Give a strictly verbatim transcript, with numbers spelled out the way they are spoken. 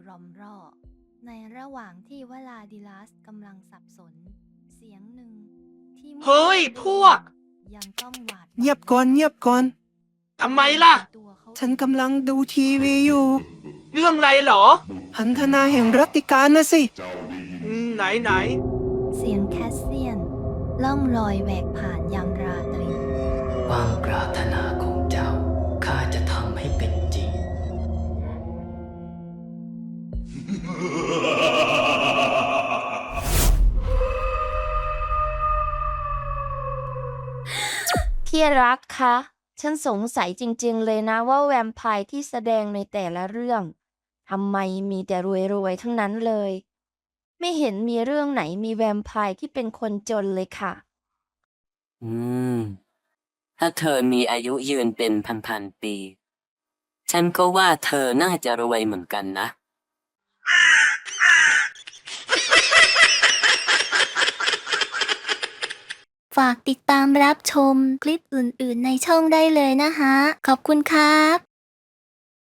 รอมร่อในระหว่างที่วลาดิลัสกำลังสับสนเสียงหนึ่งที่เฮ้ยพวกยังต้องหวาดเงียบก่อนเงียบก่อนทำไมล่ะตัวเขาฉันกำลังดูทีวีอยู่เรื่องอะไรเหรอพันธนาแห่งรัตติการนะสิอืมไหนไหนเสียงแคสเซียน ล่องลอยแหวกผ่านยามราตรีความปรารถนาของเจ้าข้าจะทำให้เป็นจริงพี่รักคะ ฉันสงสัยจริงๆเลยนะว่าแวมไพร์ที่แสดงในแต่ละเรื่องทำไมมีแต่รวยๆทั้งนั้นเลย ไม่เห็นมีเรื่องไหนมีแวมไพร์ที่เป็นคนจนเลยค่ะอืม ถ้าเธอมีอายุยืนเป็นพันๆปี ฉันก็ว่าเธอน่าจะรวยเหมือนกันนะฝากติดตามรับชมคลิปอื่นๆในช่องได้เลยนะคะ ขอบคุณครับ